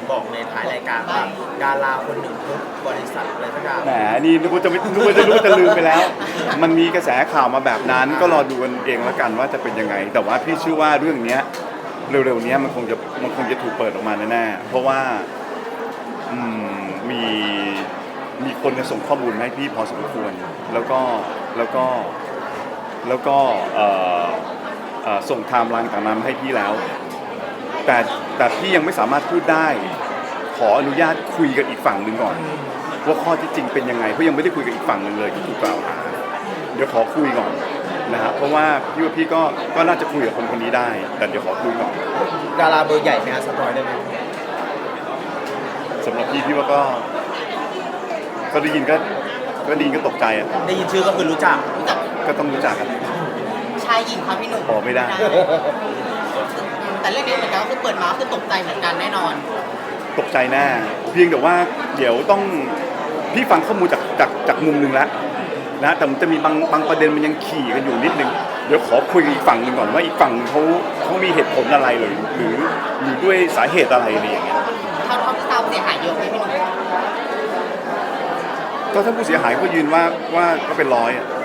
บอกในท้ายรายการว่าดาราคนหนึ่งทุกบริษัทอะไรสักอย่างแหมนี่นึกว่าจะไม่นึกว่าจะรู้จะลืมไปแล้ว มันมีกระแสข่าวมาแบบนั้นก็รอดูกันเองแล้วกันว่าจะเป็นยังไง แต่ว่าพี่เชื่อว่าเรื่องเนี้ยเร็วๆเนี้ยมันคงจะถูกเปิดออกมาแน่ๆเพราะว่าอืมมีคนเนี่ยส่งข้อมูลมาให้พี่พอสมควรแล้วก็ส่งไทม์ไลน์ต่างๆมาให้พี่แล้ว แต่พี่ยังไม่สามารถพูดได้ขออนุญาตคุยกับอีกฝั่งหนึ่งก่อนว่าข้อที่จริงเป็นยังไงเพราะยังไม่ได้คุยกับอีกฝั่งหนึ่งเลยที่ถูกกล่าวหาเดี๋ยวขอคุยก่อนนะฮะเพราะว่าพี่ก็น่าจะคุยกับคนนี้ได้ แต่เดี๋ยวขอคุยก่อนดาราเบอร์ใหญ่ไหมฮะสปอยได้ไหมสำหรับพี่ว่าก็ได้ยินก็ตกใจอ่ะได้ยินชื่อก็คือรู้จักก็ต้องรู้จักกันชายหญิงครับพี่หนุ่มบอกไม่ได้แต่เรื่องนี้เหมือนกันก็คือเปิดมาคือตกใจเหมือนกันแน่นอนตกใจแน่เพียงแต่ว่าเดี๋ยวต้องพี่ฟังข้อมูลจากมุมหนึ่งแล้วนะแต่มันจะมีบางประเด็นมันยังขี่กันอยู่นิดนึงเดี๋ยวขอคุยกับอีกฝั่งหนึ่งก่อนว่าอีกฝั่งเขามีเหตุผลอะไรหรือด้วยสาเหตุอะไรอะไรอย่างเงี้ยเขาที่ทราบเสียหายเยอะไหมพี่หนุ่มก็ถ้าผู้เสียหายก็ยืนว่าก็เป็นร้อยอะ